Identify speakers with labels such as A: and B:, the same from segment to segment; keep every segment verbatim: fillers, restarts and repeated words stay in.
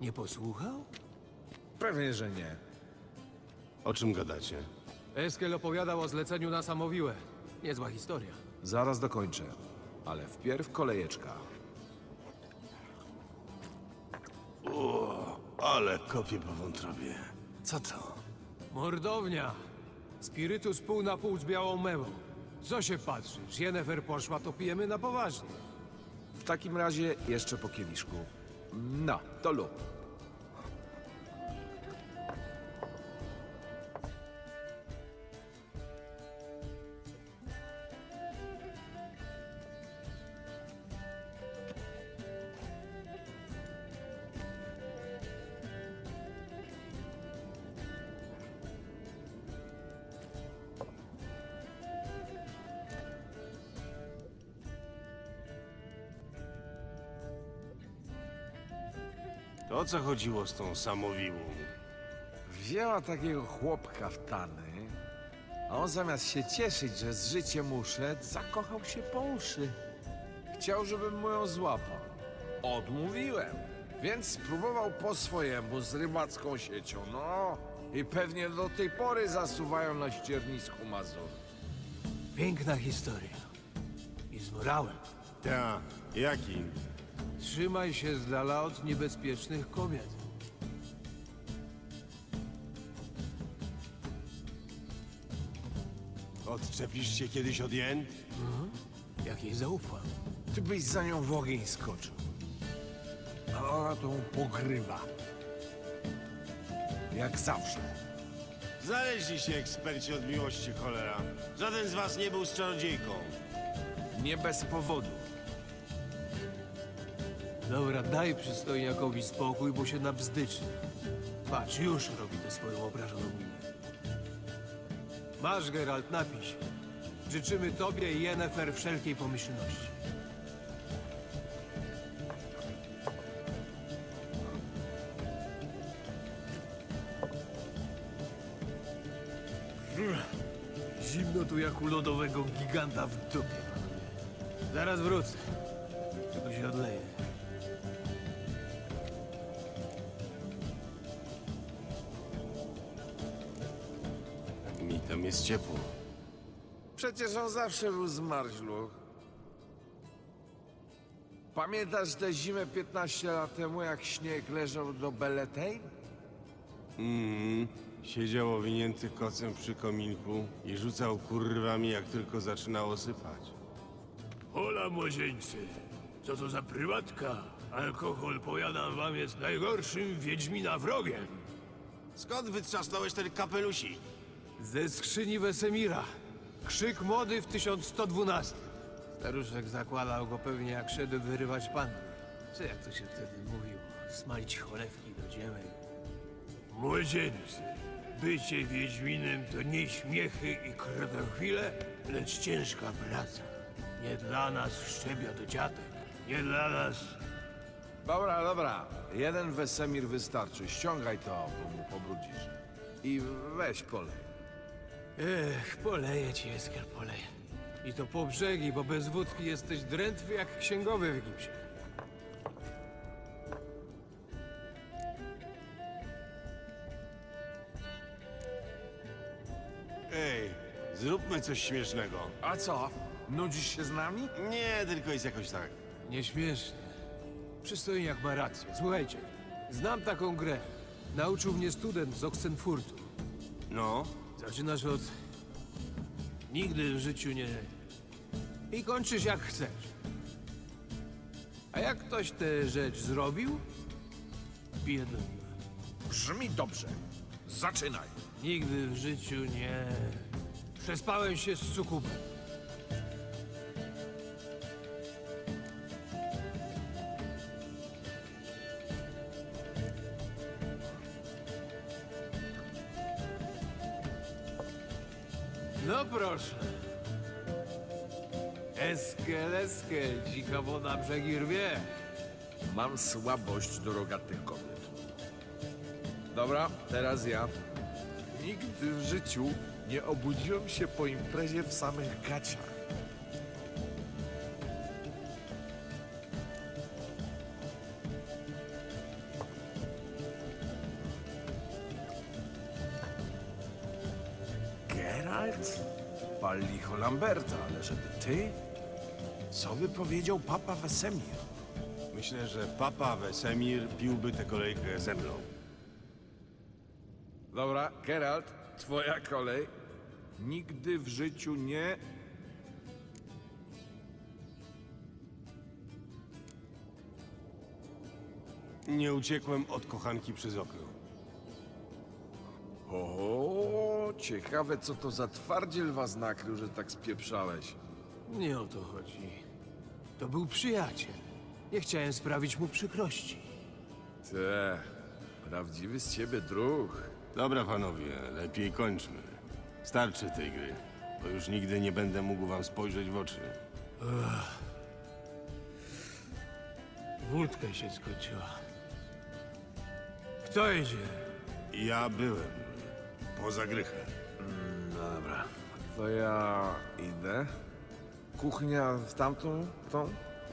A: Nie posłuchał?
B: Pewnie, że nie.
C: O czym gadacie?
A: Eskel opowiadał o zleceniu na Samowiłę. Niezła historia.
B: Zaraz dokończę. Ale wpierw kolejeczka.
C: Ale kopię po wątrobie.
B: Co to?
A: Mordownia! Spirytus pół na pół z białą mewą. Co się patrzysz? Jennefer poszła, to pijemy na poważnie.
B: W takim razie jeszcze po kieliszku. No, to lub.
C: To o co chodziło z tą samowiłą?
B: Wzięła takiego chłopka w tany, a on zamiast się cieszyć, że z życiem uszedł, zakochał się po uszy. Chciał, żebym mu ją złapał. Odmówiłem, więc spróbował po swojemu z rybacką siecią, no. I pewnie do tej pory zasuwają na ściernisku Mazur.
A: Piękna historia. I z morałem.
C: Ta, jaki?
A: Trzymaj się z dala od niebezpiecznych kobiet.
C: Odczepisz się kiedyś od jen?
A: Jak jej zaufam.
B: Ty byś za nią w ogień skoczył. A ona to pogrywa. Jak zawsze.
C: Znaleźli się eksperci od miłości, cholera. Żaden z was nie był z czarodziejką.
B: Nie bez powodu.
A: Dobra, daj przystojniakowi spokój, bo się nabzdyczy. Patrz, już robi tę swoją obrażoną minę. Masz, Geralt, napij się. Życzymy tobie i Yennefer wszelkiej pomyślności. Zimno tu jak u lodowego giganta w dupie, panowie. Zaraz wrócę. Tylko się odleję.
C: Mi tam jest ciepło.
B: Przecież on zawsze był zmarzluch. Pamiętasz tę zimę piętnaście lat temu, jak śnieg leżał do Belletein?
C: Mhm. Siedział owinięty kocem przy kominku i rzucał kurwami, jak tylko zaczynało sypać.
A: Hola, młodzieńcy. Co to za prywatka? Alkohol, powiadam wam, jest najgorszym wiedźmina wrogiem.
C: Skąd wytrzasnąłeś ten kapelusik?
A: Ze skrzyni Wesemira. Krzyk mody w tysiąc sto dwunastym. Staruszek zakładał go pewnie jak szedł wyrywać panny. Czy jak to się wtedy mówiło? Smalić cholewki do dziemek. Młodzieńcy, bycie wiedźminem to nie śmiechy i krotochwile, lecz ciężka praca. Nie dla nas szczebia do dziatek. Nie dla nas...
B: Dobra, dobra. Jeden Wesemir wystarczy. Ściągaj to, bo mu pobrudzisz. I weź polej.
A: Ech, poleję ci, Eskel, poleję. I to po brzegi, bo bez wódki jesteś drętwy jak księgowy w gipsie.
C: Ej, zróbmy coś śmiesznego.
B: A co? Nudzisz się z nami?
C: Nie, tylko jest jakoś tak.
A: Nieśmiesznie. Przystojniak ma rację. Słuchajcie, znam taką grę. Nauczył mnie student z Oxenfurtu.
C: No,
A: Zaczynasz od... Nigdy w życiu nie... I kończysz jak chcesz. A jak ktoś tę rzecz zrobił, bije do mnie.
B: Brzmi dobrze. Zaczynaj.
A: Nigdy w życiu nie... Przespałem się z sukubem. No proszę. Eskel, eskel, dzika woda brzegi rwie.
B: Mam słabość do rogatych kobiet. Dobra, teraz ja. Nigdy w życiu nie obudziłem się po imprezie w samych gaciach. Geralt? Pal licho Lamberta, ale żeby ty? Co by powiedział papa Wesemir?
C: Myślę, że papa Wesemir piłby tę kolejkę ze mną.
B: Dobra, Geralt, twoja kolej. Nigdy w życiu nie...
C: Nie uciekłem od kochanki przez okno.
B: O, ciekawe co to za twardziel was nakrył, że tak spieprzałeś.
A: Nie o to chodzi. To był przyjaciel. Nie chciałem sprawić mu przykrości.
B: Te, prawdziwy z ciebie druh.
C: Dobra, panowie, lepiej kończmy. Starczy tej gry, bo już nigdy nie będę mógł wam spojrzeć w oczy.
A: Wódka się skończyła. Kto jedzie?
C: Ja byłem poza grychem.
B: No dobra, to ja idę. Kuchnia w tamtą, tą?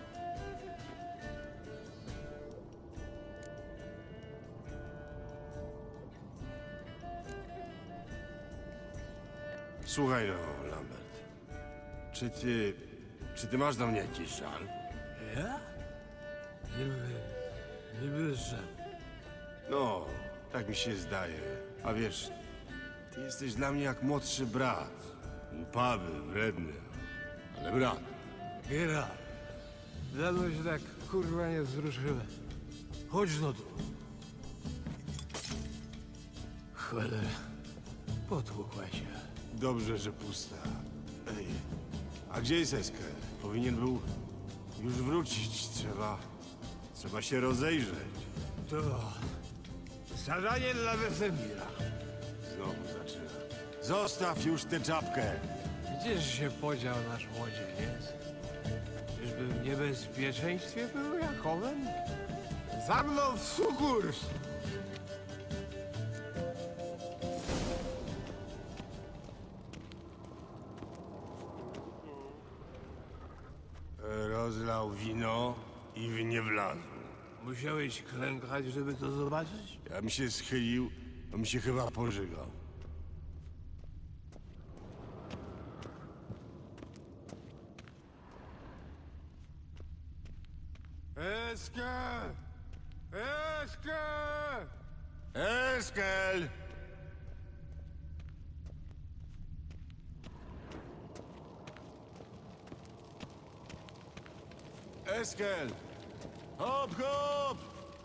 C: Słuchaj no, Lambert. Czy ty... Czy ty masz do mnie jakiś żal?
A: Ja? Niby... Niby, że...
C: No, tak mi się zdaje. A wiesz, ty jesteś dla mnie jak młodszy brat. Upawy, wredny, ale brat.
A: Geralt, dawno się tak kurwa nie wzruszyłem. Chodź no tu. Cholera, potłukła się.
C: Dobrze, że pusta. Ej, a gdzie jest Eskel? Powinien był już wrócić. Trzeba... Trzeba się rozejrzeć.
A: To... zadanie dla Wesemira.
C: Znowu zaczyna. Zostaw już tę czapkę!
A: Gdzież się podział nasz młodzieniec? Czyżby w niebezpieczeństwie był Jakowem? Za mną w sukurs!
C: Rozlał wino i w nie wlazł.
A: Musiałeś klękać, żeby to zobaczyć?
C: Ja bym się schylił, to mi się chyba pożygał.
A: Eskel! Eskel!
C: Eskel! Eskel! Hop, hop!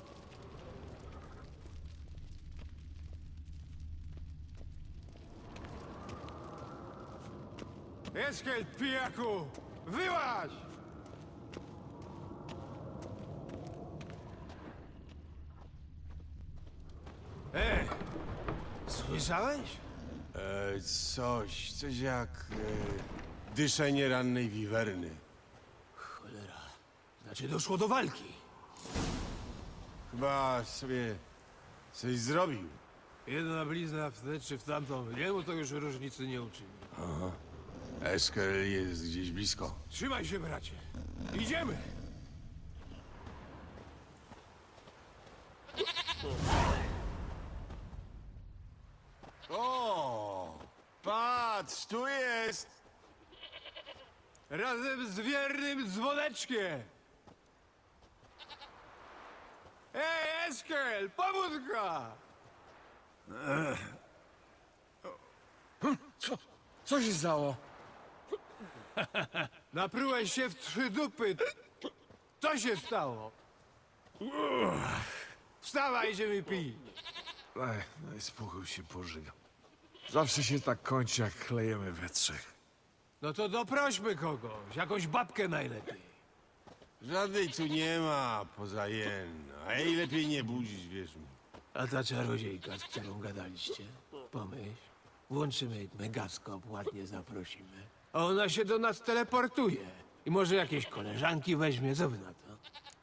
A: Eskel, pijaku! Wyłaź! Ej! Słyszałeś?
C: E, coś, coś jak e, dyszenie rannej wiwerny.
A: Cholera. Znaczy doszło do walki.
C: Chyba sobie coś zrobił.
A: Jedna blizna w tę czy w tamtą. Jemu to już różnicy nie uczyni.
C: Eskel jest gdzieś blisko.
A: Trzymaj się, bracie. Idziemy!
C: O! Patrz, tu jest!
A: Razem z wiernym dzwoneczkiem! Ej, Eskel! Pobudka!
B: Co? Co się stało?
A: Naprułeś się w trzy dupy. Co się stało? Wstawaj, idziemy pić.
B: Ej, no i spokój się pożygam. Zawsze się tak kończy, jak klejemy we trzech.
A: No to doprośmy kogoś, jakąś babkę najlepiej.
C: Żadnej tu nie ma poza jen. A jej lepiej nie budzić, wierz mi.
A: A ta czarodziejka, z którą gadaliście? Pomyśl, włączymy megaskop, ładnie zaprosimy. A ona się do nas teleportuje. I może jakieś koleżanki weźmie, co wy na to?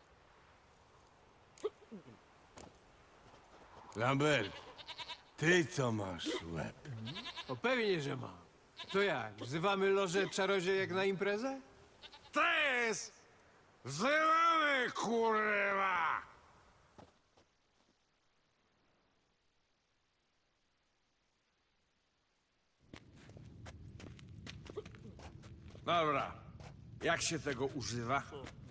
C: Lambert, ty to masz łeb.
A: O pewnie, że ma. To jak, wzywamy lożę czarodziejek na imprezę?
B: Tez! Wzywamy, kurwa! Dobra. Jak się tego używa?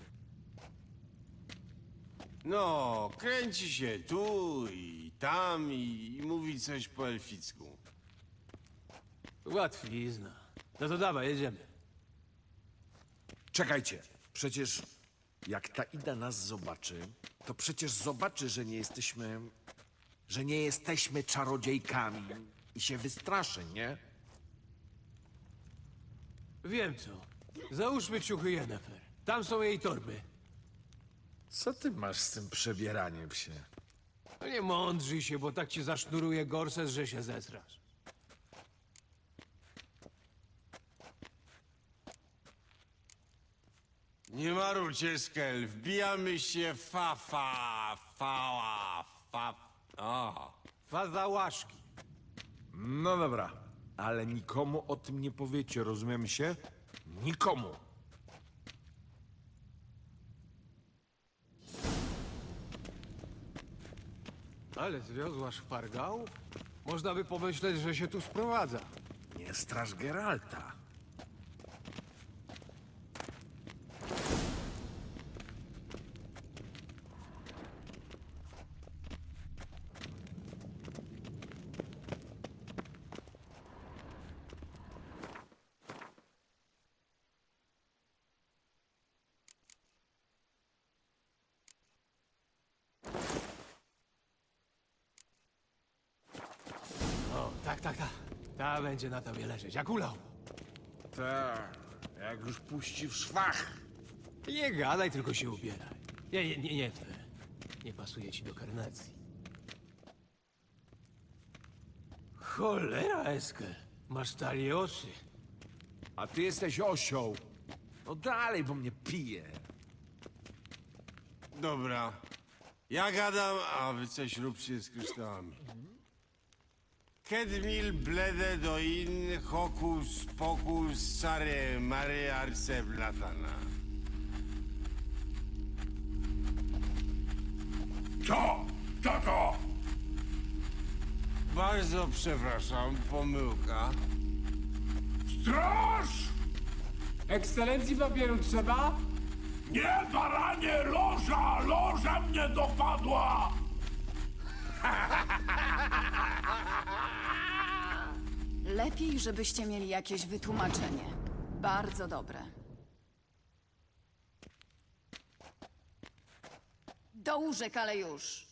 C: No, kręci się tu i tam i, i mówi coś po elficku.
A: Łatwizna. No to dawaj, jedziemy.
B: Czekajcie. Przecież jak ta Ida nas zobaczy, to przecież zobaczy, że nie jesteśmy... że nie jesteśmy czarodziejkami i się wystraszy, nie?
A: Wiem co. Załóżmy ciuchy Yennefer. Tam są jej torby.
B: Co ty masz z tym przebieraniem się?
A: No nie mądrzyj się, bo tak ci zasznuruje gorset, że się zesrasz.
C: Nie marujcie, Skel, wbijamy się fa, fa, fała, fa... A,
A: Faza łaszki.
B: No dobra, ale nikomu o tym nie powiecie, rozumiemy się? Nikomu.
A: Ale zwiozła szpargał? Można by pomyśleć, że się tu sprowadza.
B: Nie straż Geralta.
A: O, tak, tak, tak. Ta będzie na tobie leżeć, jak ulał.
B: Tak, jak już puści w szwach.
A: Nie gadaj, tylko się ubieraj. Nie, nie, nie, nie w te. Nie pasuje ci do karnacji. Cholera, Eskel. Masz taliosy.
B: A ty jesteś osioł. No dalej, bo mnie pije.
C: dobra. Ja gadam, a wy coś róbcie z kryształami. Kedmil blede do in hokus pokus sare mare arce blatana.
D: Co? Co to?
C: Bardzo przepraszam, pomyłka.
D: Straż!
E: Ekscelencji papieru trzeba?
D: Nie, baranie, loża! Loża mnie dopadła!
F: Lepiej, żebyście mieli jakieś wytłumaczenie. Bardzo dobre. Do łóżek, ale już.